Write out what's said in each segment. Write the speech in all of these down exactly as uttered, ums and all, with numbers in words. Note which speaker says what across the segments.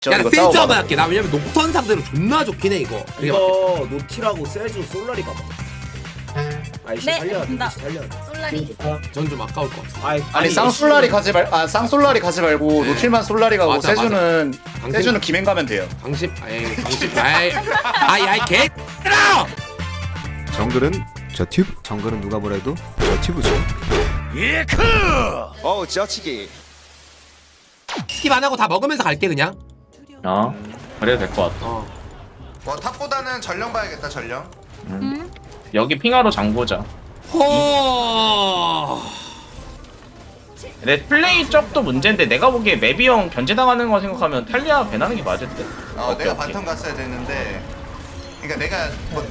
Speaker 1: 저
Speaker 2: 야,
Speaker 1: 이거
Speaker 2: 세이지
Speaker 1: 싸워봐.
Speaker 2: 한번 할게. 나 왜냐면 녹턴 상대로 존나 좋긴 해 이거.
Speaker 3: 이거 노티라고 세주 솔라리 가봐. 아이씨
Speaker 4: 네,
Speaker 3: 살려야 돼.
Speaker 4: 간다.
Speaker 3: 아이씨 살려야 돼.
Speaker 4: 솔라리.
Speaker 2: 전좀 아까울 것 같아.
Speaker 3: 아이,
Speaker 1: 아니 쌍솔라리 가지 말, 아 쌍솔라리 가지 말고
Speaker 2: 네.
Speaker 1: 노틸만 솔라리 가고
Speaker 2: 맞아,
Speaker 1: 세주는
Speaker 2: 당신-
Speaker 1: 세주는 김행 가면 돼요.
Speaker 2: 강심, 아이 강심, 아이, 아이, 아이 개.
Speaker 5: 정글은 저 튜브. 정글은 누가 뭐래도 저 튜브죠.
Speaker 6: 어우 지어치기.
Speaker 2: 스킵 안 하고 다 먹으면서 갈게 그냥.
Speaker 7: 어 그래도 될 것 같아.
Speaker 2: 어.
Speaker 6: 뭐 탑보다는 전령 봐야겠다 전령.
Speaker 4: 응?
Speaker 7: 여기 핑하로 장보자.
Speaker 2: 호.
Speaker 7: 내 플레이 쪽도 문제인데 내가 보기에 맵이형 견제당하는 거 생각하면 탈리아 배나는 게 맞을 듯.
Speaker 6: 어
Speaker 7: 오케이,
Speaker 6: 내가
Speaker 7: 오케이.
Speaker 6: 바텀 갔어야 됐는데. 그러니까 내가 뭐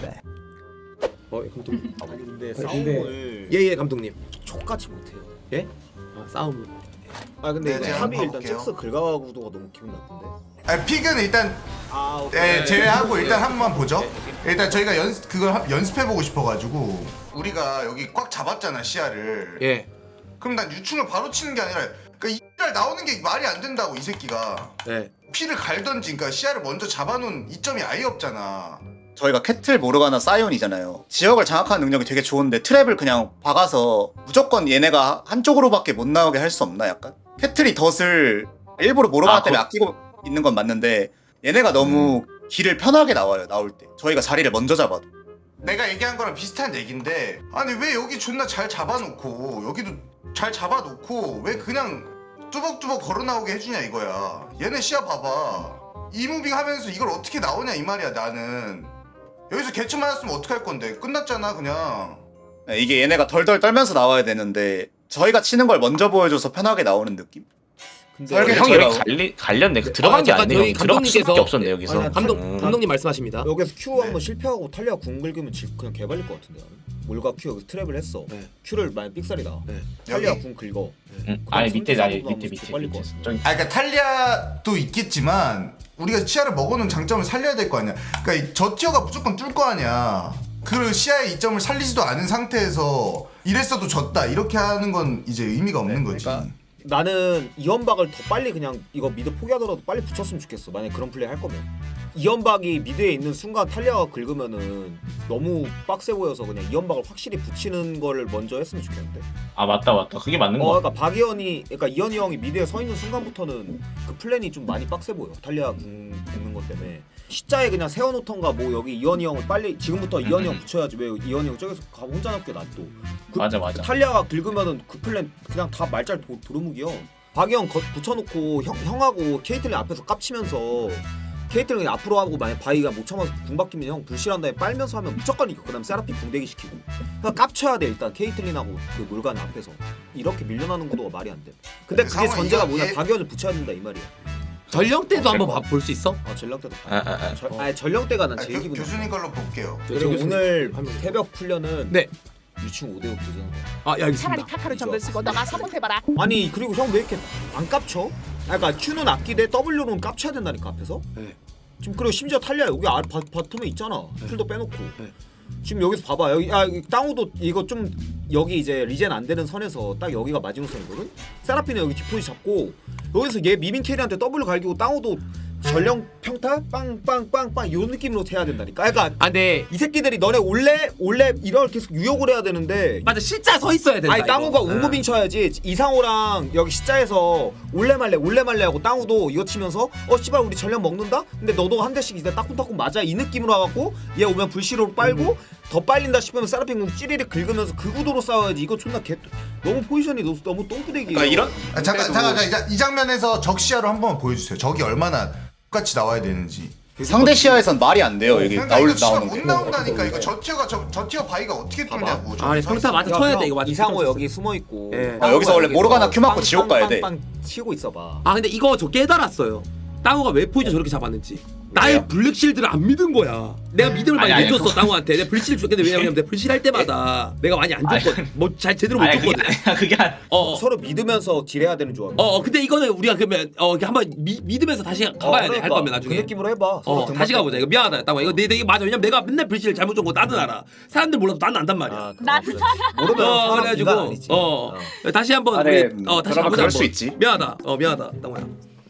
Speaker 2: 어, 감독님.
Speaker 3: 아니 근데 싸움을
Speaker 2: 예예 감독님.
Speaker 3: 족같이 못해요.
Speaker 2: 예? 어, 싸움.
Speaker 3: 아 근데
Speaker 6: 네,
Speaker 3: 이거
Speaker 6: 제가
Speaker 3: 탑이
Speaker 6: 한번
Speaker 3: 일단
Speaker 6: 볼게요.
Speaker 3: 잭스 긁어가 구도가 너무 기분 나쁜데.
Speaker 6: 아, 픽은 일단
Speaker 3: 아 오케이.
Speaker 6: 예, 제외하고 일단 한 번만 보죠. 일단 저희가 연 그걸 하- 연습해보고 싶어가지고 우리가 여기 꽉 잡았잖아 시야를.
Speaker 2: 예.
Speaker 6: 그럼 난 유충을 바로 치는 게 아니라 그러니까 이날 나오는 게 말이 안 된다고 이 새끼가.
Speaker 2: 예.
Speaker 6: 피를 갈던지 그러니까 시야를 먼저 잡아놓은 이점이 아예 없잖아.
Speaker 1: 저희가 캐틀 모르가나 사이온이잖아요. 지역을 장악하는 능력이 되게 좋은데 트랩을 그냥 박아서 무조건 얘네가 한쪽으로밖에 못 나오게 할 수 없나 약간? 캐틀이 덫을 일부러 모르가나
Speaker 7: 아,
Speaker 1: 때문에
Speaker 7: 그-
Speaker 1: 아끼고 있는 건 맞는데 얘네가 너무 길을 편하게 나와요 나올 때. 저희가 자리를 먼저 잡아도.
Speaker 6: 내가 얘기한 거랑 비슷한 얘긴데 아니 왜 여기 존나 잘 잡아놓고 여기도 잘 잡아놓고 왜 그냥 뚜벅뚜벅 걸어 나오게 해주냐 이거야. 얘네 시야 봐봐. 이무빙 하면서 이걸 어떻게 나오냐 이 말이야 나는. 여기서 개츠 맞았으면 어떡할 건데 끝났잖아 그냥.
Speaker 1: 이게 얘네가 덜덜 떨면서 나와야 되는데 저희가 치는 걸 먼저 보여줘서 편하게 나오는 느낌?
Speaker 3: 근데
Speaker 1: 설계
Speaker 7: 형
Speaker 1: 저희가-
Speaker 7: 여기 갈리 갈렸네. 그 들어간
Speaker 2: 아,
Speaker 7: 게
Speaker 2: 잠깐
Speaker 7: 아니네.
Speaker 2: 저희
Speaker 7: 형. 들어갈
Speaker 2: 감독님께서-
Speaker 7: 수밖에 없었네 여기서.
Speaker 3: 아니,
Speaker 2: 감독
Speaker 7: 음.
Speaker 2: 감독님 말씀하십니다.
Speaker 3: 여기서 Q
Speaker 6: 네.
Speaker 3: 한번 실패하고 탈리아 궁 긁으면 질 그냥 개발릴 것 같은데 나는. 몰가 Q 여기서 트랩을 했어.
Speaker 2: 네.
Speaker 3: Q를 만약 삑살이다.
Speaker 2: 네.
Speaker 3: 탈리아
Speaker 6: 여기?
Speaker 3: 궁 긁어.
Speaker 7: 응. 아니 밑에
Speaker 3: 선택
Speaker 7: 아니
Speaker 3: 상황도
Speaker 7: 밑에
Speaker 3: 하면
Speaker 7: 밑에
Speaker 3: 빨릴
Speaker 7: 밑에.
Speaker 3: 것 같은데.
Speaker 7: 저기
Speaker 6: 아 그러니까 탈리아도 있겠지만 우리가 시야를 먹어놓은 장점을 살려야 될 거 아니야. 그러니까 이- 저 티어가 무조건 뚫 거 아니야. 그 시야의 이점을 살리지도 않은 상태에서 이랬어도 졌다 이렇게 하는 건 이제 의미가 없는 거지.
Speaker 3: 그러니까 나는 이연박을 더 빨리 그냥 이거 미드 포기하더라도 빨리 붙였으면 좋겠어. 만약 그런 플레이 할 거면 이연박이 미드에 있는 순간 탈리아가 긁으면은 너무 빡세 보여서 그냥 이연박을 확실히 붙이는 걸 먼저 했으면 좋겠는데.
Speaker 7: 아 맞다 맞다. 그게 맞는
Speaker 3: 어,
Speaker 7: 거.
Speaker 3: 그러니까 박이현이, 그러니까 이현이 형이 미드에 서 있는 순간부터는 그 플랜이 좀 많이 빡세 보여. 탈리아 궁 긁는 것 때문에. 시자에 그냥 세워놓던가 뭐 여기 이현이 형을 빨리 지금부터 이현이 형 붙여야지. 왜 이현이 형 저기서 가 혼자 남게 놔둬. 그,
Speaker 7: 맞아 맞아.
Speaker 3: 탈리아가 긁으면은 그 플랜 그냥 다 말잘 도, 도루묵이요. 박이형 거, 붙여놓고 형, 형하고 케이틀린 앞에서 깝치면서 케이틀린 앞으로 하고 만약 바이가 못 참아서 궁 박히면 형 불실한 다음에 빨면서 하면 무조건 이겨. 그 다음 세라피 궁대기 시키고 그냥 깝쳐야 돼 일단 케이틀린하고 그 물간 앞에서. 이렇게 밀려나는 구도가 말이 안 돼. 근데 그게
Speaker 6: 상황이
Speaker 3: 전제가
Speaker 6: 이거
Speaker 3: 뭐냐.
Speaker 6: 얘-
Speaker 3: 박이현을 붙여야 된다 이 말이야.
Speaker 2: 전령 때도
Speaker 7: 어,
Speaker 2: 한번 볼 수 있어?
Speaker 3: 아 전령 때도
Speaker 7: 아, 아, 아.
Speaker 3: 절, 아니 전령 때가 난
Speaker 6: 아,
Speaker 3: 제일
Speaker 6: 교,
Speaker 3: 기분
Speaker 6: 교수님
Speaker 3: 나빠.
Speaker 6: 걸로 볼게요.
Speaker 3: 그리고
Speaker 2: 교수님
Speaker 3: 오늘
Speaker 2: 하면 돼요.
Speaker 3: 새벽 훈련은
Speaker 2: 네.
Speaker 3: 유충 오 대 오 교전한 거야.
Speaker 2: 아, 예, 알겠습니다.
Speaker 4: 차라리 카카로 정글 쓰고 너가 서포트해봐라.
Speaker 3: 아니 그리고 형 왜 이렇게 안 깝쳐? 아, 그러니까 Q는 아끼되 W로는 깝쳐야 된다니까 앞에서.
Speaker 2: 네.
Speaker 3: 지금 그리고 심지어 탈리아 여기 아, 바, 바텀에 있잖아. 풀도 빼놓고.
Speaker 2: 네.
Speaker 3: 지금 여기서 봐봐. 여기 아 여기 땅우도 이거 좀 여기 이제 리젠 안 되는 선에서 딱 여기가 마지노선이거든. 세라핀은 여기 뒷포지 잡고 여기서 얘 미민 캐리한테 W 갈기고 땅우도 전령 평타 빵빵빵빵 이런 느낌으로 해야 된다니까. 그러니까
Speaker 2: 아, 네.
Speaker 3: 이 새끼들이 너네 원래 원래 이렇게 계속 유혹을 해야 되는데.
Speaker 2: 맞아, 실자 서 있어야 된다.
Speaker 3: 아니 땅우가
Speaker 2: 이거.
Speaker 3: 우무빙 쳐야지. 이상호랑 여기 십자에서 올레말레 올레말레 하고 땅우도 이거 치면서 어 씨발 우리 전력 먹는다? 근데 너도 한 대씩 이제 따끔따끔 맞아 이 느낌으로 와갖고 얘 오면 불시로 빨고 더 빨린다 싶으면 세라핀 궁 찌리릭 긁으면서 그 구도로 싸워야지. 이거 존나 개 너무 포지션이 너무, 너무 똥구대기.
Speaker 1: 그러니까 이런
Speaker 6: 아, 잠깐 잠깐 잠깐, 이, 자- 이 장면에서 적 시야로 한번 보여주세요. 적이 얼마나 똑같이 나와야 되는지.
Speaker 1: 상대 시야에선 말이 안 돼요. 여기
Speaker 6: 그러니까
Speaker 1: 나올
Speaker 6: 이거 진짜
Speaker 1: 나오는
Speaker 6: 못
Speaker 1: 게.
Speaker 6: 나온다니까. 이거 저 티어가 저, 저 티어 바이가 어떻게 뚫냐고. 저기
Speaker 2: 아니,
Speaker 6: 서
Speaker 2: 평타
Speaker 6: 있으면.
Speaker 2: 맞아 쳐야 돼 이거 맞아.
Speaker 3: 이상호 여기 숨어 있고.
Speaker 2: 예.
Speaker 1: 아, 여기서 원래 모르가나 큐 맞고 지옥 가야 돼.
Speaker 3: 빵 치고 있어봐.
Speaker 2: 아, 근데 이거 저 깨달았어요. 땅우가 왜 포지션 저렇게 잡았는지. 나의
Speaker 1: 왜요?
Speaker 2: 블랙실드를 안 믿은 거야. 내가 믿음을 많이
Speaker 7: 아니, 아니,
Speaker 2: 못 줬어 땅우한테. 내가 블랙실드 줬는데 왜냐면 내가 블랙실드 할 때마다 내가 많이 안
Speaker 7: 아니,
Speaker 2: 줬거든. 뭐 잘 제대로 못
Speaker 7: 아니 그게
Speaker 2: 줬거든.
Speaker 7: 아니야 그게 아니.
Speaker 2: 어, 어.
Speaker 3: 서로 믿으면서 딜해야 되는 조합.
Speaker 2: 어, 어, 근데 이거는 우리가 그러면 어 이렇게 한번 미, 믿으면서 다시 가봐야 돼 할 거면 나중에.
Speaker 3: 그 느낌으로 해봐.
Speaker 2: 어,
Speaker 3: 서로
Speaker 2: 다시
Speaker 3: 등받고.
Speaker 2: 가보자. 이거 미안하다. 땅아 이거 내, 내 이게 맞아. 왜냐면 내가 맨날 블랙실드 잘못 준 거 나도 알아. 사람들 몰라도 나는 안단 말이야.
Speaker 3: 아,
Speaker 4: 나
Speaker 3: 모르면
Speaker 2: 어,
Speaker 3: 사람
Speaker 2: 그래가지고
Speaker 3: 인간 아니지.
Speaker 2: 어, 다시 한번
Speaker 1: 아,
Speaker 2: 우리
Speaker 1: 네,
Speaker 2: 어 다시
Speaker 1: 그러면
Speaker 2: 가보자.
Speaker 1: 그럴 수
Speaker 2: 한번.
Speaker 1: 있지.
Speaker 2: 미안하다. 어 미안하다. 땅아야.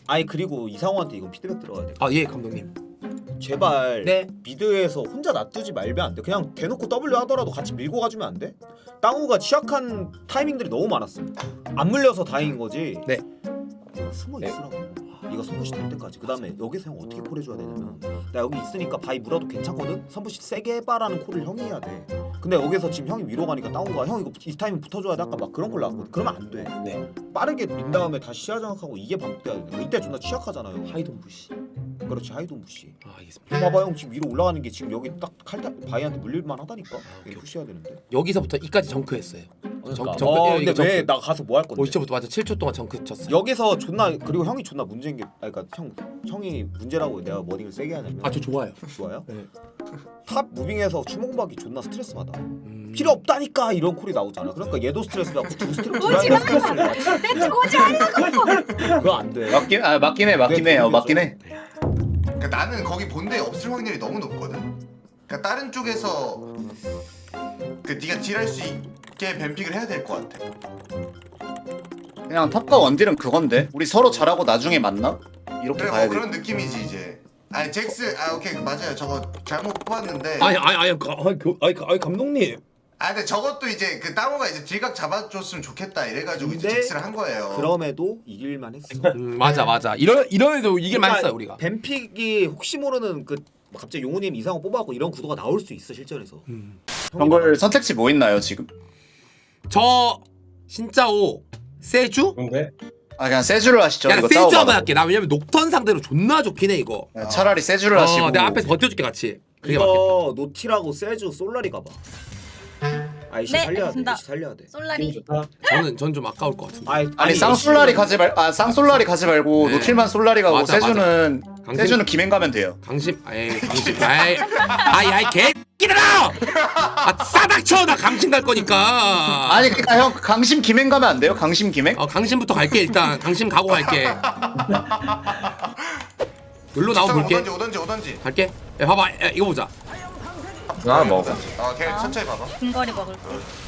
Speaker 3: 아니 그리고 이상호한테 이건 피드백 들어가야 돼.
Speaker 2: 아 예 감독님.
Speaker 3: 제발
Speaker 2: 네.
Speaker 3: 미드에서 혼자 놔두지 말면 안 돼. 그냥 대놓고 W 하더라도 같이 밀고 가주면 안 돼? 땅우가 취약한 타이밍들이 너무 많았어. 안 물려서 다행인 거지.
Speaker 2: 네.
Speaker 3: 숨어 있으라고. 이거 선부시 될 때까지. 그 다음에 여기서 형 어떻게 콜 해줘야 되냐면 나 여기 있으니까 바위 물어도 괜찮거든? 선부시 세게 해봐라는 콜을 형이 해야 돼. 근데 여기서 지금 형이 위로 가니까 땅우가 형 이거 이 타이밍 붙어줘야 돼. 아까 막 그런 걸 나왔거든. 그러면 안 돼.
Speaker 2: 네.
Speaker 3: 빠르게 민 다음에 다시 시야 장악하고 이게 반복돼야 돼. 이때 존나 취약하잖아요.
Speaker 2: 하이돈 부시.
Speaker 3: 그렇지 하이돈 부시.
Speaker 2: 아 알겠습니다.
Speaker 3: 봐봐 형 지금 위로 올라가는 게 지금 여기 딱 칼타 바이한테 물릴만 하다니까.
Speaker 2: 오케이,
Speaker 3: 이거 푸시해야 되는데.
Speaker 2: 여기서부터 이까지 정크했어요. 정,
Speaker 3: 어,
Speaker 2: 정크. 예,
Speaker 3: 근데
Speaker 2: 이거
Speaker 3: 왜
Speaker 2: 정크.
Speaker 3: 나 가서 뭐 할 건데?
Speaker 2: 오 시초부터 맞아 칠 초 동안 정크 쳤어.
Speaker 3: 여기서 존나 그리고 형이 존나 문제인 게 아니 그러니까 형 형이 문제라고 내가 머딩을 세게 하냐면
Speaker 2: 아 저 좋아요.
Speaker 3: 좋아요?
Speaker 2: 네.
Speaker 3: 탑 무빙에서 추몽박이 존나 스트레스 받아.
Speaker 2: 음...
Speaker 3: 필요 없다니까 이런 콜이 나오잖아. 그러니까 얘도 스트레스 받고 두 스트레스 두 스트레스를 받지.
Speaker 4: 오지 말라고.
Speaker 3: 그거 안 돼.
Speaker 1: 맞긴 아 맞긴 해 맞긴
Speaker 3: 네,
Speaker 1: 해 어,
Speaker 3: 모르겠어.
Speaker 1: 맞긴 해.
Speaker 6: 그러니까 나는 거기 본대에 없을 확률이 너무 높거든. 그러니까 다른 쪽에서 그 네가 딜할 수 있게 뱀픽을 해야 될 것 같아.
Speaker 1: 그냥 탑과 원딜은 그건데 우리 서로 잘하고 나중에 만나? 이렇게
Speaker 6: 그래
Speaker 1: 가야
Speaker 6: 뭐
Speaker 1: 돼.
Speaker 6: 그런 느낌이지 이제. 아니 잭스 아 오케이 맞아요. 저거 잘못 뽑았는데.
Speaker 2: 아니 아니 아니 가, 아니, 그, 아니, 가- 아니 감독님.
Speaker 6: 아 근데 저것도 이제 그 땅우가 이제 딜각 잡아줬으면 좋겠다 이래가지고 이제
Speaker 3: 근데
Speaker 6: 잭스를 한 거예요.
Speaker 3: 그럼에도 이길만 했어.
Speaker 2: 음, 맞아 맞아. 이런 이런에도 이길만 했어요 우리가.
Speaker 3: 뱀픽이 혹시 모르는 그 갑자기 용우님 이상호 뽑아갖고 이런 구도가 나올 수 있어 실전에서.
Speaker 2: 음.
Speaker 1: 정글 선택지 뭐 있나요 지금?
Speaker 2: 저 신짜오 세주?
Speaker 1: 아 그냥 세주를 하시죠.
Speaker 2: 야
Speaker 1: 이거
Speaker 2: 세주 한번
Speaker 1: 싸워봐.
Speaker 2: 할게. 나 왜냐면 녹턴 상대로 존나 좋긴 해 이거.
Speaker 1: 야, 차라리 세주를 하시고.
Speaker 2: 어, 내가 앞에서 버텨줄게 같이. 그게 맞겠다.
Speaker 3: 이거 노티라고 세주 솔라리 가봐. 아이씨
Speaker 4: 네,
Speaker 3: 살려야 돼.
Speaker 4: 알겠습니다.
Speaker 3: 아이씨 살려야 돼.
Speaker 4: 솔라리.
Speaker 2: 저는 전 좀 아까울 것 같은데.
Speaker 3: 아이,
Speaker 1: 아니 쌍솔라리 가지 말, 아 쌍솔라리 가지 말고
Speaker 2: 네.
Speaker 1: 노틸만 솔라리 가고
Speaker 2: 맞아,
Speaker 1: 세주는
Speaker 2: 강심-
Speaker 1: 세주는 김행 가면 돼요.
Speaker 2: 강심, 아이 강심, 아이, 아이, 아이 개끼들아! 아 싸닥쳐 나 강심 갈 거니까.
Speaker 1: 아니 그러니까 형 강심 김행 가면 안 돼요? 강심 김행?
Speaker 2: 어 강심부터 갈게 일단. 강심 가고 갈게. 여기로 나오면 볼게.
Speaker 6: 오던지 오던지 오던지.
Speaker 2: 갈게. 야 봐봐, 야, 이거 보자.
Speaker 7: 나 먹어.
Speaker 6: 어 걔 천천히 봐봐.
Speaker 4: 근거리 먹을게.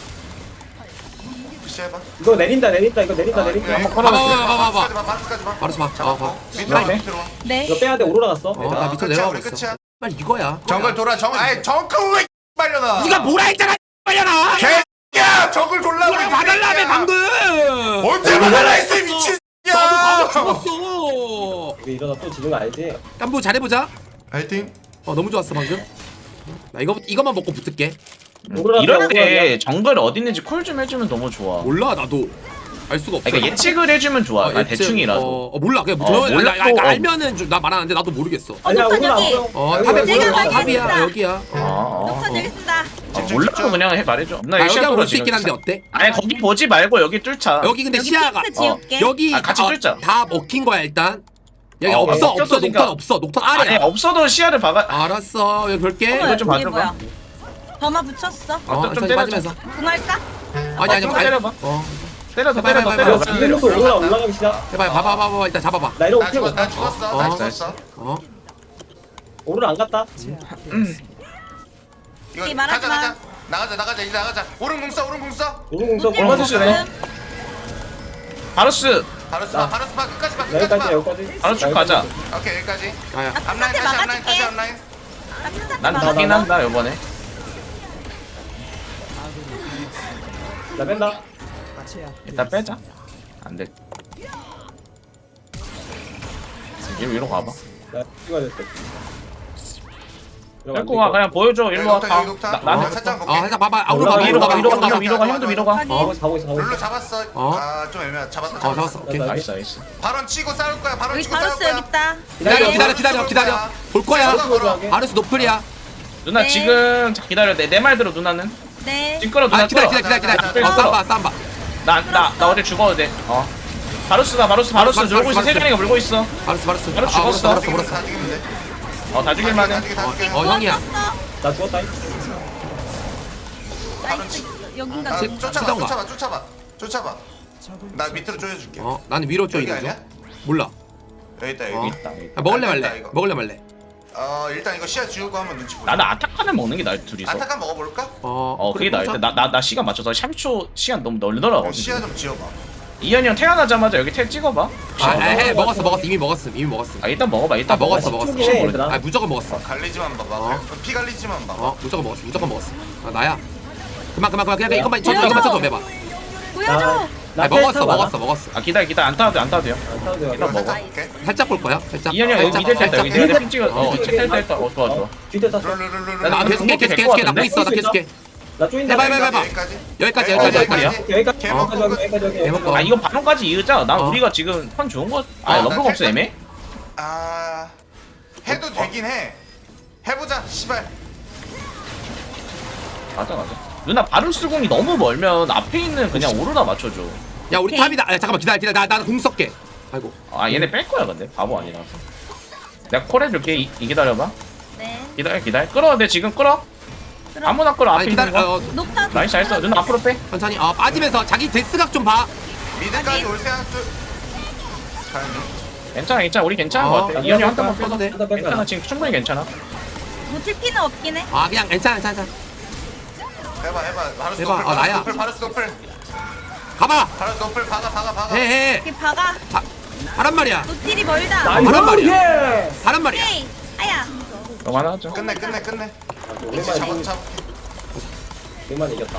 Speaker 6: 푸시해봐.
Speaker 8: 이거 내린다 내린다 이거 내린다
Speaker 6: 아,
Speaker 8: 내린다
Speaker 6: 그래.
Speaker 8: 한번
Speaker 2: 봐봐,
Speaker 8: 걸어봐.
Speaker 2: 봐봐, 봐봐.
Speaker 6: 바스까지 봐 바스까지 봐.
Speaker 2: 바로 봐. 어, 봐.
Speaker 6: 밑으로 와
Speaker 2: 나,
Speaker 6: 밑으로 와.
Speaker 4: 네.
Speaker 8: 이거 빼야 돼 오로라 갔어.
Speaker 2: 어, 나 밑으로
Speaker 6: 끝이야,
Speaker 2: 내려가고
Speaker 6: 우리
Speaker 2: 있어.
Speaker 6: 끝이야.
Speaker 2: 빨리 이거야.
Speaker 6: 정글 돌아 정글. 아이 정글 왜 빨려나?
Speaker 2: 네가 뭐라 했잖아. 빨려나.
Speaker 6: 개야 정글 돌라고.
Speaker 2: 뭐라 봐달라며 방금.
Speaker 6: 언제 봐달라 했어 이 미친.
Speaker 2: 나도
Speaker 6: 야.
Speaker 2: 방금 죽었어.
Speaker 8: 이거 이러다 또 지는 거 알지?
Speaker 2: 깐부 잘해보자.
Speaker 6: 파이팅.
Speaker 2: 어 너무 좋았어 방금. 나 이거 이것만 먹고 붙을게.
Speaker 8: 오로라
Speaker 7: 이럴
Speaker 8: 빼야
Speaker 7: 때 정글 어디 있는지 콜 좀 해주면 너무 좋아.
Speaker 2: 몰라 나도 알 수가 없어.
Speaker 7: 그러니까 예측을 해주면 좋아.
Speaker 2: 어,
Speaker 7: 아,
Speaker 2: 예측,
Speaker 7: 대충이라도.
Speaker 2: 어, 어 몰라 그냥
Speaker 7: 어,
Speaker 2: 저 나, 나,
Speaker 7: 몰랐고,
Speaker 2: 나
Speaker 7: 어.
Speaker 2: 알면은 좀, 나 말하는데 나도 모르겠어.
Speaker 8: 아니야
Speaker 4: 녹턴
Speaker 8: 오로라 안
Speaker 4: 여기.
Speaker 8: 보여.
Speaker 2: 어
Speaker 8: 여기,
Speaker 2: 탑에
Speaker 8: 여기,
Speaker 2: 보여.
Speaker 8: 여기.
Speaker 4: 내가
Speaker 2: 탑이야
Speaker 4: 알겠습니다.
Speaker 2: 여기야.
Speaker 7: 어, 어.
Speaker 4: 녹턴 여기 있습니다.
Speaker 7: 아, 몰라도 그냥 해 말해줘. 나
Speaker 2: 아, 여기
Speaker 7: 시야
Speaker 2: 한번
Speaker 7: 돌아
Speaker 2: 수 있긴 한데
Speaker 7: 지금.
Speaker 2: 어때?
Speaker 7: 아니 거기 보지 말고 여기 뚫자.
Speaker 2: 여기 근데
Speaker 4: 여기
Speaker 2: 시야가
Speaker 4: 핑크 지울게.
Speaker 2: 여기
Speaker 7: 아, 같이
Speaker 2: 어,
Speaker 7: 뚫자.
Speaker 2: 다 먹힌 거야 일단. 여기
Speaker 7: 어,
Speaker 2: 없어
Speaker 7: 아,
Speaker 2: 없어
Speaker 7: 먹혔으니까.
Speaker 2: 녹턴 없어 녹턴
Speaker 7: 아니
Speaker 2: 아래야.
Speaker 7: 없어도 시야를 박아.
Speaker 2: 알았어 여기 볼게.
Speaker 4: 어머,
Speaker 7: 이거 좀
Speaker 4: 이게
Speaker 7: 봐줘봐.
Speaker 4: 뭐야? 범아 붙였어.
Speaker 2: 어
Speaker 7: 좀
Speaker 2: 좀
Speaker 7: 때려줘.
Speaker 2: 빠지면서.
Speaker 4: 궁할까?
Speaker 2: 아니 아니
Speaker 7: 좀
Speaker 2: 아니.
Speaker 7: 때려봐.
Speaker 2: 어
Speaker 7: 때려도
Speaker 2: 해봐,
Speaker 7: 때려도
Speaker 2: 해봐,
Speaker 7: 때려.
Speaker 2: 해봐.
Speaker 8: 이거 지금부터 오로라 올라가기 시작.
Speaker 2: 해봐 봐봐 봐봐 일단 잡아봐.
Speaker 8: 나 이러고
Speaker 6: 나
Speaker 8: 태워.
Speaker 6: 죽었어 나 죽었어
Speaker 2: 어.
Speaker 6: 나 죽었어.
Speaker 2: 어
Speaker 8: 오로라 안 갔다.
Speaker 6: 이거
Speaker 4: 오케이, 말하지
Speaker 6: 가자
Speaker 4: 마.
Speaker 6: 가자. 나가자 나가자 이제 나가자. 오른 궁써 오른 궁써.
Speaker 8: 오른공서
Speaker 4: 노틸
Speaker 8: 골
Speaker 7: 맞았어,
Speaker 8: 맞았어.
Speaker 7: 그래. 바루스
Speaker 6: 바로스 봐 바로스 봐 끝까지 봐 끝까지
Speaker 8: 여기까지
Speaker 6: 봐.
Speaker 8: 여기까지.
Speaker 7: 바로 쭉 가자.
Speaker 6: 오케이 여기까지.
Speaker 2: 야야
Speaker 4: 나
Speaker 6: 앞라인
Speaker 4: 핑크한테
Speaker 6: 다시 앞라인 다시
Speaker 4: 막아줄게.
Speaker 6: 앞라인.
Speaker 4: 나 핑크한테
Speaker 7: 난
Speaker 8: 나,
Speaker 7: 가긴
Speaker 8: 나.
Speaker 7: 한다 이번에.
Speaker 8: 나 뺀다.
Speaker 7: 일단 빼자. 안 돼. 위로 위로 가봐.
Speaker 8: 나 찍어야 될 때.
Speaker 7: 뺄고 가 그냥 보여줘. 일로 와.
Speaker 6: 여기
Speaker 7: 가.
Speaker 6: 녹타
Speaker 7: 나-
Speaker 6: 여기
Speaker 7: 나
Speaker 6: 녹타. 살짝
Speaker 2: 어
Speaker 6: 볼게.
Speaker 2: 살짝 봐봐. 아,
Speaker 8: 올라가,
Speaker 2: 위로 가봐
Speaker 7: 위로
Speaker 2: 위로
Speaker 7: 가
Speaker 2: 가봐
Speaker 7: 위로 가 위로 가 형도 위로 가.
Speaker 4: 확인.
Speaker 8: 가고 있어 가고 있어 가고
Speaker 6: 룰루
Speaker 8: 있어.
Speaker 6: 잡았어.
Speaker 2: 어.
Speaker 6: 아좀 애매하. 잡았다
Speaker 2: 어
Speaker 6: 잡았어.
Speaker 2: 잡았어 오케이.
Speaker 8: 나-
Speaker 7: 나이스 나이스.
Speaker 6: 발언 치고 싸울 거야. 발언
Speaker 4: 여기
Speaker 6: 치고 싸울
Speaker 4: 바로스 여기
Speaker 6: 거야.
Speaker 4: 있다.
Speaker 2: 기다려
Speaker 4: 네.
Speaker 2: 기다려 기다려 기다려 볼 거야.
Speaker 6: 걸어.
Speaker 2: 바루스 노플이야.
Speaker 7: 누나
Speaker 4: 네.
Speaker 7: 지금 자, 기다려. 내 내 말 들어 누나는.
Speaker 4: 네.
Speaker 7: 지금 끌어 누나
Speaker 2: 아 기다려
Speaker 7: 끌어.
Speaker 2: 기다려 기다려
Speaker 6: 나-
Speaker 2: 기다려. 어 쌈바 쌈바.
Speaker 7: 나나 나 어제 죽어도 돼. 어. 바루스다 바루스 바루스
Speaker 2: 바루스,
Speaker 7: 놀고 있어.
Speaker 2: 바루스.
Speaker 7: 세간이가 물고 있어.
Speaker 2: 바루스 바루스.
Speaker 7: 바루스
Speaker 2: 아 물었어
Speaker 7: 죽었어.
Speaker 2: 물었어 물었어.
Speaker 6: 다 죽이면 돼.
Speaker 7: 어 다 죽일만해.
Speaker 6: 다 죽이 다 죽이.
Speaker 2: 어 형이야.
Speaker 8: 나 죽었다.
Speaker 4: 나이스. 여긴가?
Speaker 6: 아,
Speaker 2: 치-
Speaker 6: 쫓아봐
Speaker 2: 치던가.
Speaker 6: 쫓아봐 쫓아봐 쫓아봐. 나 밑으로 쪼여줄게.
Speaker 2: 어 나는 위로 쪽
Speaker 6: 여기
Speaker 2: 있는
Speaker 6: 아니야?
Speaker 2: 중. 몰라.
Speaker 6: 여기 있다
Speaker 2: 어.
Speaker 6: 여기.
Speaker 7: 있다. 있다.
Speaker 2: 아, 먹을래
Speaker 6: 아,
Speaker 2: 말래.
Speaker 6: 됐다, 이거.
Speaker 2: 먹을래 말래.
Speaker 6: 어 일단 이거 시야 지우고 한번 눈치 보자.
Speaker 7: 나는 아타칸을 먹는 게 나을 둘이서.
Speaker 6: 아타칸 먹어볼까?
Speaker 2: 어.
Speaker 7: 어 그게 나을 때. 나나 나 시간 맞춰서 삼십 초 시간 너무 널더라고.
Speaker 6: 어, 시야 좀 지워봐.
Speaker 7: 이현이 형 태어나자마자 여기 텔 찍어봐.
Speaker 2: 아해 먹었어 먹었어 이미 먹었음 이미 먹었음.
Speaker 7: 아 일단 먹어봐.
Speaker 2: 아
Speaker 7: 일단
Speaker 2: 먹었어 먹었어.
Speaker 8: 쪽이네, 얘들아.
Speaker 2: 아 무조건 먹었어.
Speaker 6: 갈리지만 봐봐.
Speaker 2: 어.
Speaker 6: 피 갈리지만 봐봐.
Speaker 2: 어 무조건 먹었어 무조건 먹었어. 아 나야. 그만 그만 그만 그냥 이것만 쳐줘 이것만 쳐줘 매봐.
Speaker 4: 보여줘.
Speaker 2: 아 먹었어 먹었어 먹었어.
Speaker 7: 아 기다려 기다려 안 타도 돼안 타도 돼요.
Speaker 8: 안 타도 돼요.
Speaker 7: 일단 먹어.
Speaker 6: 오케이.
Speaker 2: 살짝 볼 거야 살짝.
Speaker 7: 이현이 형 여기
Speaker 2: 살짝,
Speaker 7: 미들 텔다 여기
Speaker 2: 살짝.
Speaker 7: 내가 핀 찍어. 어 텔 텔다. 어 좋아 좋아.
Speaker 8: 뒤에 탔어.
Speaker 6: 룰루루루루.
Speaker 2: 나 계속해 계속해 계속해 나 보고 있어 나 계속해.
Speaker 8: 나 쪼인다.
Speaker 2: 해봐, 해봐, 해봐.
Speaker 6: 여기까지.
Speaker 2: 여기까지,
Speaker 7: 여기까지,
Speaker 8: 여기까지 여기까지
Speaker 6: 개먹고
Speaker 8: 여기까지 여기까지 여기까지.
Speaker 2: 해먹고.
Speaker 7: 아 이거 반론까지 이으자. 난
Speaker 2: 어.
Speaker 7: 우리가 지금 판 좋은 거. 아
Speaker 6: 어,
Speaker 7: 럼블가
Speaker 6: 나
Speaker 7: 없어
Speaker 6: 텔-
Speaker 7: 애매.
Speaker 6: 아 해도 되긴 해. 해보자. 씨발.
Speaker 7: 맞아 맞아. 누나 바루스공이 너무 멀면 앞에 있는 그냥 오로라 맞춰줘.
Speaker 2: 야 우리
Speaker 4: 오케이.
Speaker 2: 탑이다. 야, 잠깐만 기다려 기다려 나나공 쏠게. 아이고.
Speaker 7: 아 얘네 뺄 거야 근데 바보 아니라서. 내가 콜 해줄게. 이, 이 기다려봐.
Speaker 4: 네.
Speaker 7: 기다려 기다려. 끌어. 내 지금 끌어.
Speaker 4: 끌어.
Speaker 7: 아무나 끌어. 앞에
Speaker 2: 아니
Speaker 7: 있는
Speaker 2: 기다려.
Speaker 7: 거.
Speaker 2: 어,
Speaker 4: 녹타.
Speaker 7: 나이스 잘했어. 누나 앞으로 빼.
Speaker 2: 천천히. 어 빠지면서 자기 데스각 좀 봐.
Speaker 6: 미드까지
Speaker 4: 아니.
Speaker 6: 올 생각도. 잘.
Speaker 7: 괜찮아 괜찮아. 우리 괜찮은
Speaker 2: 어,
Speaker 7: 거 같아.
Speaker 8: 나
Speaker 7: 이현이 한
Speaker 8: 뺄까?
Speaker 7: 번만 빼도 돼.
Speaker 8: 뺄까? 뺄까?
Speaker 7: 괜찮아 지금 충분히 괜찮아.
Speaker 4: 놓칠 피는 없긴 해.
Speaker 2: 아 그냥 괜찮아 괜찮아.
Speaker 6: 해봐 해봐. 바르스
Speaker 2: 해봐.
Speaker 6: 노플.
Speaker 2: 아, 나야.
Speaker 6: 바르스 노플. 바르스 노플.
Speaker 2: 가봐.
Speaker 6: 바르스 노플. 박아 박아 박아.
Speaker 2: 해해.
Speaker 4: 이렇게 박아.
Speaker 2: 하란 말이야.
Speaker 4: 노틸이 멀다.
Speaker 2: 나- 하란 말이야.
Speaker 8: 예.
Speaker 2: 하란 말이야.
Speaker 4: 오케이. 아야.
Speaker 7: 이거 하나 하자.
Speaker 6: 끝내 끝내 끝내. 이제
Speaker 8: 오랜만에
Speaker 6: 잡아
Speaker 8: 이긴-
Speaker 6: 잡아.
Speaker 8: 오랜만에 이겼다.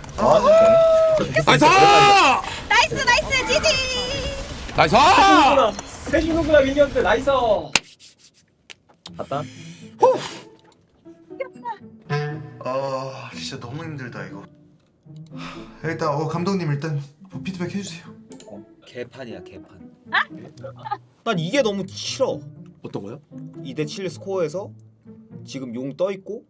Speaker 2: 나이스.
Speaker 4: 나이스 나이스 지지.
Speaker 2: 나이스.
Speaker 8: 해주는구나. 해주는구나 미니언들 나이스. 갔다.
Speaker 6: 어 진짜 너무 힘들다 이거. 일단 어 감독님 일단 피드백 해주세요.
Speaker 3: 개판이야 개판. 난 이게 너무 싫어.
Speaker 2: 어떤 거요?
Speaker 3: 이 대 칠 스코어에서 지금 용 떠 있고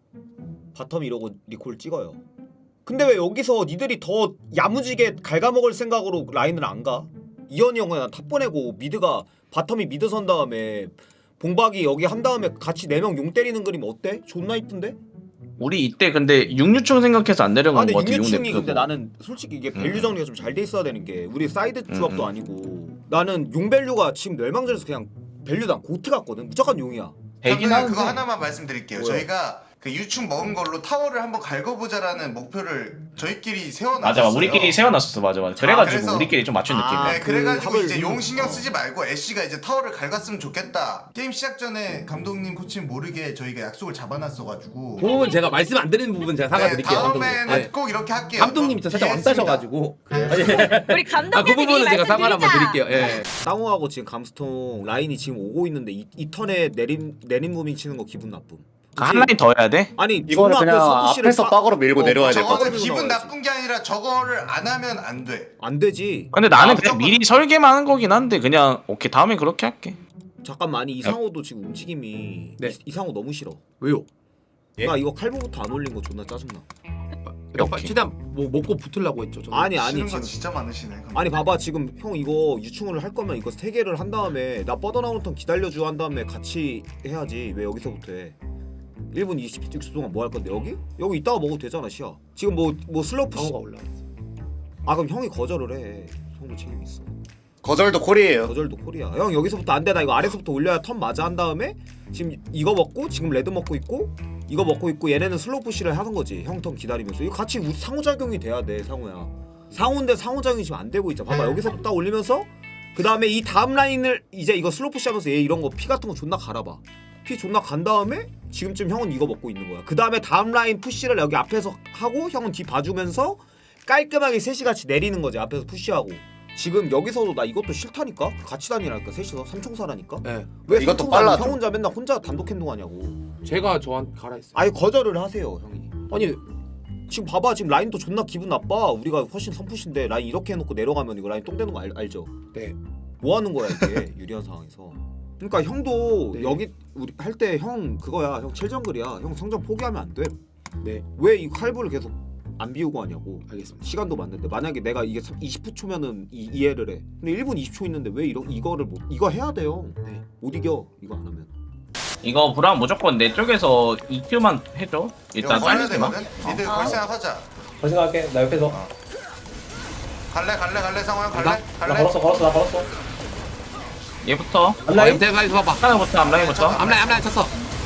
Speaker 3: 바텀 이러고 리콜 찍어요. 근데 왜 여기서 니들이 더 야무지게 갉아먹을 생각으로 라인을 안 가? 이현이 형은 난 탑 보내고 미드가 바텀이 미드 선 다음에 봉박이 여기 한 다음에 같이 네 명 용 때리는 그림 어때? 존나 이쁜데?
Speaker 7: 우리 이때 근데 육류충 생각해서 안
Speaker 3: 아
Speaker 7: 내려간
Speaker 3: 근데
Speaker 7: 거 같아.
Speaker 3: 육류충이
Speaker 7: 용
Speaker 3: 근데
Speaker 7: 냅두고.
Speaker 3: 나는 솔직히 이게 밸류 정리가 좀 잘 돼 있어야 되는 게 우리 사이드 조합도
Speaker 7: 음, 음.
Speaker 3: 아니고 나는 용 밸류가 지금 멸망전에서 그냥 밸류도 안 고트 같거든. 무조건 용이야.
Speaker 7: 되긴
Speaker 6: 감독님
Speaker 7: 하는데.
Speaker 6: 그거 하나만 말씀드릴게요.
Speaker 3: 뭐요?
Speaker 6: 저희가 그 유충 먹은 걸로 타워를 한번 갈궈보자라는 목표를 저희끼리 세워놨어요.
Speaker 7: 맞아 맞아. 우리끼리 세워놨었어. 맞아 맞아. 그래가지고
Speaker 6: 그래서-
Speaker 7: 우리끼리 좀 맞춘 느낌.
Speaker 3: 아,
Speaker 6: 네,
Speaker 3: 그
Speaker 6: 그래가지고
Speaker 3: 합을
Speaker 6: 이제 용
Speaker 3: 음,
Speaker 6: 신경
Speaker 3: 어.
Speaker 6: 쓰지 말고 애쉬가 이제 타워를 갈갔으면 좋겠다. 게임 시작 전에 감독님 코치님 모르게 저희가 약속을 잡아놨어가지고.
Speaker 2: 그 부분 제가 말씀 안 드리는 부분 제가
Speaker 6: 네,
Speaker 2: 사과드릴게요.
Speaker 6: 다음에는
Speaker 2: 감독님. 네.
Speaker 6: 꼭 이렇게 할게요.
Speaker 2: 감독님이 저 살짝
Speaker 6: 이해했습니다.
Speaker 2: 왕따셔가지고.
Speaker 4: 우리 감독님한테
Speaker 2: 아 그 부분은
Speaker 4: 미리
Speaker 2: 제가 사과를 한번
Speaker 4: 말씀드리자.
Speaker 2: 드릴게요. 예.
Speaker 3: 땅우하고 지금 감스통 라인이 지금 오고 있는데 이, 이 턴에 내림 내림 무빙 치는 거 기분 나쁨.
Speaker 7: 그 한 라인 더 해야 돼?
Speaker 3: 아니
Speaker 1: 이거는
Speaker 3: 존나
Speaker 1: 그냥
Speaker 3: 그 서브시를
Speaker 1: 앞에서
Speaker 3: 빠-
Speaker 1: 빡으로 밀고
Speaker 3: 어,
Speaker 1: 내려와야 될 것
Speaker 3: 저거는
Speaker 1: 같아.
Speaker 6: 저거는 기분
Speaker 3: 나와야지.
Speaker 6: 나쁜 게 아니라 저거를 안 하면 안 돼.
Speaker 3: 안 되지.
Speaker 7: 근데 나는
Speaker 6: 아,
Speaker 7: 그냥
Speaker 6: 무조건-
Speaker 7: 미리 설계만 하는 거긴 한데 그냥 오케이 다음에 그렇게 할게.
Speaker 3: 잠깐만 아니 이상호도 지금 움직임이
Speaker 2: 네.
Speaker 3: 이, 이상호 너무 싫어.
Speaker 2: 왜요?
Speaker 1: 예?
Speaker 3: 나 이거 칼부부터 안 올린 거 존나 짜증나.
Speaker 2: 약간
Speaker 7: 오케이.
Speaker 2: 최대한 뭐 먹고 붙으려고 했죠. 저는.
Speaker 3: 아니
Speaker 6: 싫은
Speaker 3: 아니
Speaker 6: 거
Speaker 3: 지금
Speaker 6: 진짜 많으시네. 감독님.
Speaker 3: 아니 봐봐 지금 형 이거 유충을 할 거면 이거 세 개를 한 다음에 나 뻗어나오는 턴 기다려줘 한 다음에 같이 해야지. 왜 여기서부터 해? 일 분 이십육 초 동안 뭐 할 건데 여기? 여기 이따가 먹어도 되잖아 시야. 지금 뭐 뭐 슬로프 시...
Speaker 2: 방어가 올라.
Speaker 3: 아 그럼 형이 거절을 해. 형도 책임 있어.
Speaker 1: 거절도 콜이에요.
Speaker 3: 거절도 콜이야. 형 여기서부터 안 돼. 나 이거 아래서부터 올려야 턴 맞아 한 다음에 지금 이거 먹고 지금 레드 먹고 있고 이거 먹고 있고 얘네는 슬로우 푸시를 하는 거지. 형 턴 기다리면서 이거 같이 우리 상호작용이 돼야 돼 상호야. 상호인데 상호작용이 지금 안 되고 있잖아. 봐봐 여기서부터 딱 올리면서 그 다음에 이 다음 라인을 이제 이거 슬로우 푸시하면서 얘 이런 거 피 같은 거 존나 갈아봐. 피 존나 간 다음에 지금쯤 형은 이거 먹고 있는 거야. 그 다음에 다음 라인 푸시를 여기 앞에서 하고 형은 뒤 봐주면서 깔끔하게 셋이 같이 내리는 거지. 앞에서 푸시하고. 지금 여기서도 나 이것도 싫다니까? 같이 다니라니까 셋이서 삼총사라니까?
Speaker 2: 예.
Speaker 3: 왜
Speaker 1: 이것도
Speaker 3: 삼총사는
Speaker 1: 빨라져.
Speaker 3: 형 혼자 맨날 혼자 단독 행동하냐고.
Speaker 2: 제가 저한테 가라 했어요.
Speaker 3: 아예 거절을 하세요 형이.
Speaker 2: 아니
Speaker 3: 지금 봐봐 지금 라인도 존나 기분 나빠. 우리가 훨씬 선푸신데 라인 이렇게 해놓고 내려가면 이거 라인 똥 되는 거 알, 알죠?
Speaker 2: 네.
Speaker 3: 뭐 하는 거야 이게 유리한 상황에서. 그러니까 형도
Speaker 2: 네.
Speaker 3: 여기 우리 할 때 형 그거야. 형 칠정글이야. 형 성장 포기하면 안 돼.
Speaker 2: 네.
Speaker 3: 왜 이 칼부를 계속 안 비우고 하냐고.
Speaker 2: 알겠습니다.
Speaker 3: 시간도 맞는데 만약에 내가 이게 이십 초면은 이, 이해를 해. 근데 일 분 이십 초 있는데 왜 이러, 이거를 못 이거 해야 돼요.
Speaker 2: 네.
Speaker 3: 못 이겨 이거 안 하면.
Speaker 7: 이거 브라운 무조건 내 쪽에서 이큐만 해줘. 일단
Speaker 6: 이거 걸려야
Speaker 7: 빨리지마.
Speaker 6: 되거든. 미드
Speaker 4: 어.
Speaker 6: 걸 생각하자.
Speaker 8: 더 생각할게. 나 옆에서.
Speaker 6: 갈래 갈래 갈래 상호야 갈래
Speaker 2: 나-
Speaker 8: 나
Speaker 6: 갈래.
Speaker 8: 걸었어 걸었어 나 걸었어.
Speaker 7: 얘부터
Speaker 2: 아,
Speaker 8: 앞라인.
Speaker 2: 내가 이거 봐봐.
Speaker 7: 하나부터 앞라인부터.
Speaker 2: 앞라인 앞라인 쳤어.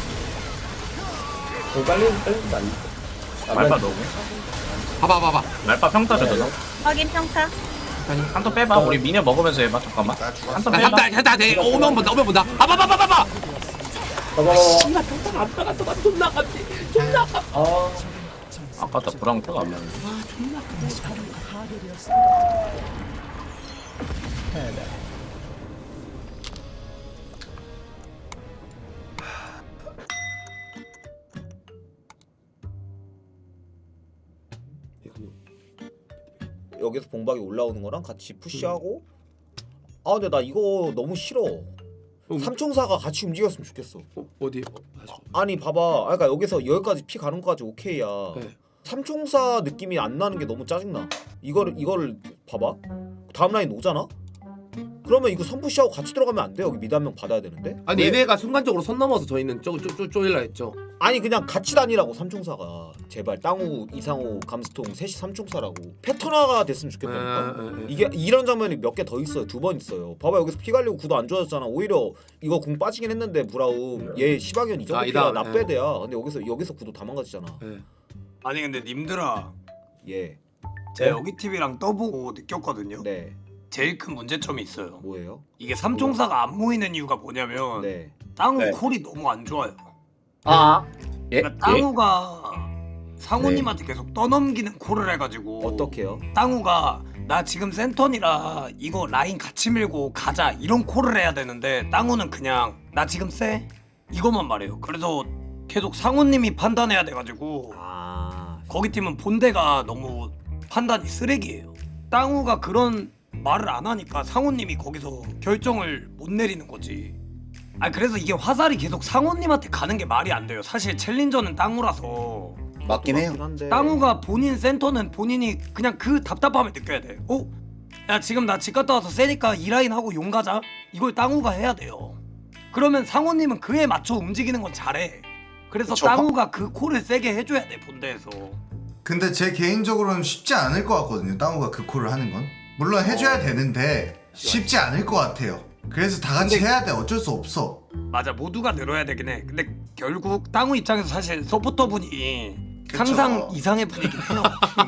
Speaker 8: 어, 빨리 빨리 안.
Speaker 7: 말파 너고.
Speaker 2: 봐봐 봐봐.
Speaker 7: 말파 평타 줘도 너.
Speaker 4: 확인 평타.
Speaker 7: 한턴 빼봐. 우리 미녀 먹으면서 해봐. 잠깐만.
Speaker 6: 나 죽었어.
Speaker 7: 한턴
Speaker 2: 나
Speaker 7: 빼봐.
Speaker 2: 한다 한다 돼. 오면 본다 오면 본다. 봐봐봐봐봐.
Speaker 8: 봐봐.
Speaker 2: 씨발 평타가 안 나갔어. 나 존나 갔지. 존나 갔.
Speaker 8: 아,
Speaker 7: 아까다 브랑타가 안 맞네.
Speaker 3: 여기서 봉박이 올라오는 거랑 같이 푸시하고. 아 근데 나 이거 너무 싫어. 삼총사가 같이 움직였으면 좋겠어.
Speaker 2: 어, 어디? 어, 다시.
Speaker 3: 아니 봐봐, 그러니까 여기서 여기까지 피 가는 거까지 오케이야.
Speaker 2: 네.
Speaker 3: 삼총사 느낌이 안 나는 게 너무 짜증나. 이거를 이거를 봐봐. 다음 라인 오잖아. 그러면 이거 선푸시하고 같이 들어가면 안 돼? 여기 미드 한 명 받아야 되는데.
Speaker 2: 아니
Speaker 3: 왜?
Speaker 2: 얘네가 순간적으로 선 넘어서 저희는 쪼쪼쪼 쪼일라 했죠.
Speaker 3: 아니 그냥 같이 다니라고 삼총사가. 제발 땅우, 이상호, 감스통 셋이 삼총사라고. 패턴화가 됐으면 좋겠다니까.
Speaker 2: 아, 아, 아.
Speaker 3: 이게 이런 장면이 몇 개 더 있어요. 두 번 있어요. 봐봐 여기서 피 갈리고 구도 안 좋아졌잖아. 오히려 이거 궁 빠지긴 했는데 브라움 얘 시바견 이 정도
Speaker 2: 아,
Speaker 3: 피가
Speaker 2: 이다,
Speaker 3: 나빼대야. 근데 여기서 여기서 구도 다 망가지잖아.
Speaker 2: 네.
Speaker 9: 아니 근데 님들아
Speaker 3: 예.
Speaker 9: 제가 여기 티비랑 떠보고 느꼈거든요.
Speaker 3: 네.
Speaker 9: 제일 큰 문제점이 있어요.
Speaker 3: 뭐예요?
Speaker 9: 이게 삼총사가 안 모이는 이유가 뭐냐면
Speaker 3: 네.
Speaker 9: 땅우
Speaker 1: 네.
Speaker 9: 콜이 너무 안 좋아요.
Speaker 7: 아. 예?
Speaker 9: 그러니까 땅우가 상우님한테 계속 떠넘기는 콜을 해가지고
Speaker 3: 어떻게요?
Speaker 9: 땅우가 나 지금 센턴이라 이거 라인 같이 밀고 가자 이런 콜을 해야 되는데 땅우는 그냥 나 지금 쎄 이것만 말해요. 그래서 계속 상우님이 판단해야 돼가지고
Speaker 3: 아.
Speaker 9: 거기 팀은 본대가 너무 판단이 쓰레기예요. 땅우가 그런 말을 안 하니까 상우님이 거기서 결정을 못 내리는 거지. 아 그래서 이게 화살이 계속 상우님한테 가는 게 말이 안 돼요. 사실 챌린저는 땅우라서.
Speaker 1: 맞긴 해요.
Speaker 3: 한데.
Speaker 9: 땅우가 본인 센터는 본인이 그냥 그 답답함을 느껴야 돼. 어? 야 지금 나 집 갔다 와서 세니까 이 라인 하고 용 가자. 이걸 땅우가 해야 돼요. 그러면 상우님은 그에 맞춰 움직이는 건 잘해. 그래서
Speaker 1: 그쵸.
Speaker 9: 땅우가 그 콜을 세게 해줘야 돼 본대에서.
Speaker 6: 근데 제 개인적으로는 쉽지 않을 것 같거든요. 땅우가 그 콜을 하는 건. 물론 해줘야 되는데 쉽지 않을 것 같아요. 그래서 다 같이
Speaker 9: 근데-
Speaker 6: 해야 돼. 어쩔 수 없어.
Speaker 9: 맞아 모두가 늘어야 되긴 해. 근데 결국 땅우 입장에서 사실 서포터분이
Speaker 6: 그쵸.
Speaker 9: 상상 이상의 분이긴 해요.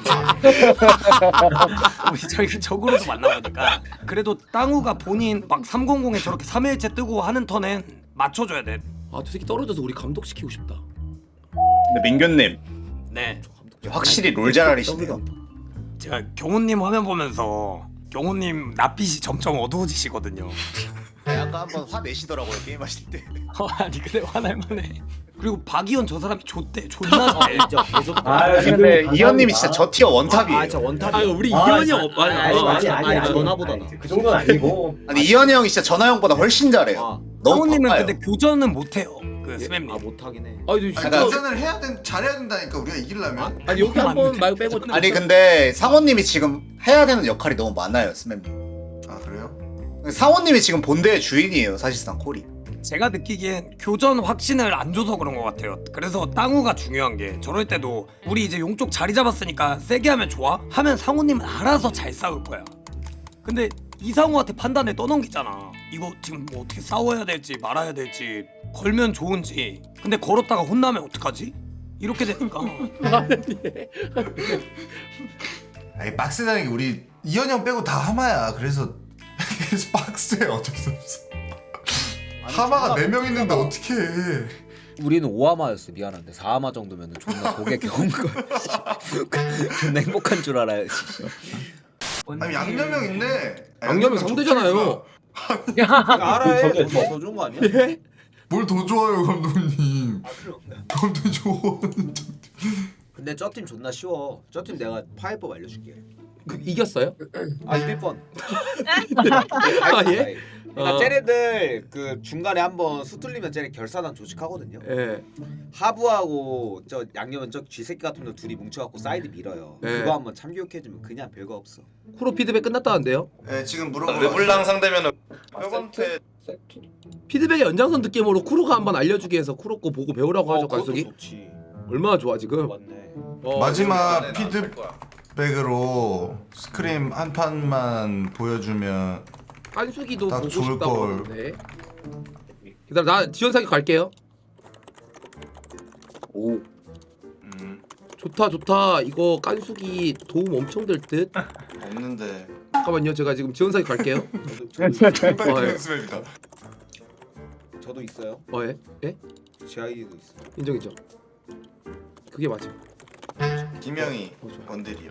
Speaker 9: 우리 저희 적으로도 만나보니까 그래도 땅우가 본인 막 삼백에 저렇게 삼 일째 뜨고 하는 턴엔 맞춰줘야 돼.
Speaker 2: 아, 저 새끼 떨어져서 우리 감독시키고 싶다.
Speaker 1: 근데 민규님
Speaker 9: 네.
Speaker 1: 확실히 롤 잘하시네요.
Speaker 9: 제가 경호님 화면 보면서 경호님 낯빛이 점점 어두워지시거든요.
Speaker 1: 아까 한번 화 내시더라고요 게임 하실 때.
Speaker 9: 어, 아니 근데 화날 만해. 그리고 박이현 저 사람이 좋대. 존나 좋대.
Speaker 3: 진짜 개좋다.
Speaker 8: 아,
Speaker 1: 근데
Speaker 8: 감사합니다.
Speaker 1: 이현님이 진짜 저 티어 원탑이에요.
Speaker 3: 아 진짜 원탑이.
Speaker 2: 아, 우리
Speaker 8: 아,
Speaker 2: 이현이
Speaker 8: 진짜-
Speaker 2: 형 없. 아니,
Speaker 3: 아니,
Speaker 2: 아,
Speaker 3: 아니,
Speaker 2: 아,
Speaker 3: 아니,
Speaker 2: 아,
Speaker 3: 전화보다
Speaker 8: 아니,
Speaker 3: 나.
Speaker 8: 그 정도는 아니고.
Speaker 1: 아니 이현이 형이 진짜 전화 형보다 훨씬 잘해요.
Speaker 3: 아,
Speaker 1: 너무
Speaker 9: 상우님은
Speaker 1: 바빠요.
Speaker 9: 근데 교전은 못해요. 그 스맵님.
Speaker 3: 아 못하긴 해.
Speaker 2: 아니,
Speaker 6: 아니,
Speaker 2: 진짜.
Speaker 1: 약간-
Speaker 6: 도전을 해야 된 잘해야 된다니까 우리가 이기려면.
Speaker 2: 아니 여기 한번 말고 빼고.
Speaker 1: 아니 근데 상호님이 지금 해야 되는 역할이 너무 많아요 스맵님.
Speaker 6: 아 그래요?
Speaker 1: 상호님이 지금 본대의 주인이에요 사실상 콜이.
Speaker 9: 제가 느끼기엔 교전 확신을 안 줘서 그런 것 같아요. 그래서 땅우가 중요한 게 저럴 때도 우리 이제 용쪽 자리 잡았으니까 세게 하면 좋아? 하면 상우님은 알아서 잘 싸울 거야. 근데 이상우한테 판단을 떠넘기잖아. 이거 지금 뭐 어떻게 싸워야 될지 말아야 될지 걸면 좋은지. 근데 걸었다가 혼나면 어떡하지? 이렇게 되니까
Speaker 6: 아니 빡세다는 게 우리 이현이 형 빼고 다 하마야. 그래서 그래서 빡세. 어쩔 수 없어. 하마가 네 명 있는데 어떻게 해?
Speaker 3: 우리는 오하마였어. 미안한데 사하마 정도면은 존나 고개 겨운 걸. 존나 행복한 줄 알아요.
Speaker 6: 아니 양념형 있네. 아,
Speaker 2: 양념이
Speaker 6: 양념형
Speaker 2: 상대잖아요.
Speaker 3: 알아요.
Speaker 8: 저게
Speaker 3: 더, 더 좋은 거 아니야?
Speaker 6: 뭘 더 좋아요 감독님. 더 좋아.
Speaker 3: 근데 저 팀 존나 쉬워. 저 팀 내가 파이법 알려줄게.
Speaker 2: 그, 이겼어요?
Speaker 3: 아 이길 뻔.
Speaker 2: 아 예?
Speaker 3: 그러니까
Speaker 2: 어.
Speaker 3: 쟤네들 그 중간에 한번 수틀리면 쟤네 결사단 조직하거든요.
Speaker 2: 예.
Speaker 3: 하부하고 저 양념은 저 쥐새끼 같은 놈 둘이 뭉쳐갖고 사이드 밀어요.
Speaker 2: 네.
Speaker 3: 그거 한번 참교육해주면 그냥 별거 없어.
Speaker 2: 쿠로 피드백 끝났다는데요?
Speaker 6: 네 지금 물어보고.
Speaker 10: 르블랑 상대면은 뼈건태
Speaker 2: 피드백의 연장선 느낌으로 쿠로가 한번 알려주게 해서 쿠로 거 보고 배우라고 하죠,
Speaker 3: 그것도
Speaker 2: 관석이.
Speaker 3: 좋지.
Speaker 2: 얼마나 좋아 지금.
Speaker 3: 맞네.
Speaker 2: 어,
Speaker 6: 마지막 피드백으로 스크림 한 판만 보여주면
Speaker 2: 깐수기도
Speaker 6: 딱
Speaker 2: 보고
Speaker 6: 좋을
Speaker 2: 싶다고
Speaker 6: 걸.
Speaker 2: 하는데. 기다려, 나 지원사기 갈게요.
Speaker 1: 오.
Speaker 6: 음,
Speaker 2: 좋다 좋다. 이거 깐수기 도움 엄청 될 듯.
Speaker 6: 없는데
Speaker 2: 잠깐만요. 제가 지금 지원사에 갈게요.
Speaker 3: 저도,
Speaker 2: 어, 예.
Speaker 6: 연습입니다.
Speaker 3: 저도 있어요.
Speaker 2: 어 예? 예?
Speaker 3: 제 아이디도 있어.
Speaker 2: 인정이죠. 그게 맞아.
Speaker 6: 김영희
Speaker 2: 어, 좋아.
Speaker 6: 원딜이요.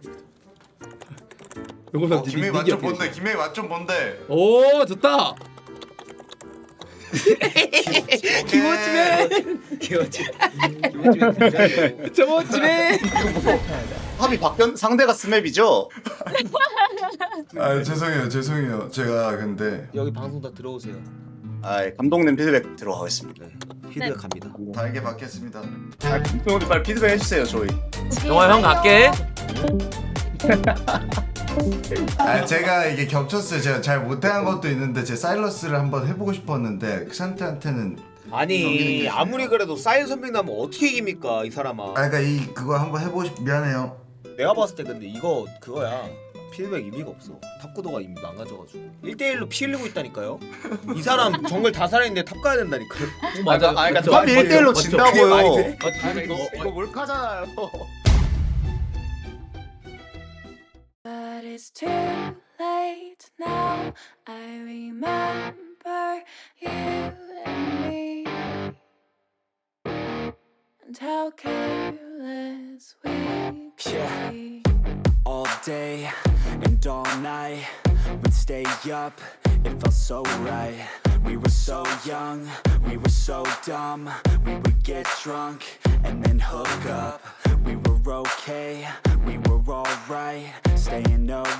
Speaker 2: 요거
Speaker 6: 어, 김영희 맛 좀 본데. 김영희 맛 좀 본데.
Speaker 2: 오 좋다.
Speaker 6: 김호찌맨.
Speaker 3: 기어지. 기어지.
Speaker 2: 저번집에
Speaker 1: 합이 바뀌었 상대가 스맵이죠?
Speaker 6: 아 죄송해요 죄송해요. 제가 근데
Speaker 3: 여기 방송 다 들어오세요.
Speaker 1: 아 감독님 피드백 들어가겠습니다.
Speaker 3: 피드가 갑니다.
Speaker 6: 달게 받겠습니다.
Speaker 1: 아 감독님 빨리 피드백 해주세요 저희.
Speaker 7: 영화 형 갈게.
Speaker 6: 아 제가 이게 겹쳤어요. 제가 잘 못한 것도 있는데 제 사일러스를 한번 해보고 싶었는데 크산테한테는
Speaker 3: 아니 아무리 그래도 사일 선배 나면 어떻게 이깁니까 이 사람아.
Speaker 6: 아 그러니까 이 그거 한번 해보고 싶 미안해요.
Speaker 3: 내가 봤을 때 근데 이거 그거야. 피드백 의미가 없어. 탑구도가 이미 망가져가지고 일 대일로 피 흘리고 있다니까요. 이 사람 정글 다 살아있는데 탑 가야 된다니까요.
Speaker 1: 맞아. 아 그러니까
Speaker 2: 맞죠,
Speaker 1: 합이
Speaker 2: 맞죠,
Speaker 1: 일 대일로
Speaker 2: 맞죠.
Speaker 1: 진다고요.
Speaker 3: 그게 말이 돼?
Speaker 1: 아니, 이거 이거 몰카잖아요.
Speaker 11: But it's too late now. I remember you and me, and how careless we could be.
Speaker 12: All day and all night, we'd stay up, it felt so right. We were so young, we were so dumb. We would get drunk and then hook up. We were okay, we were alright, staying up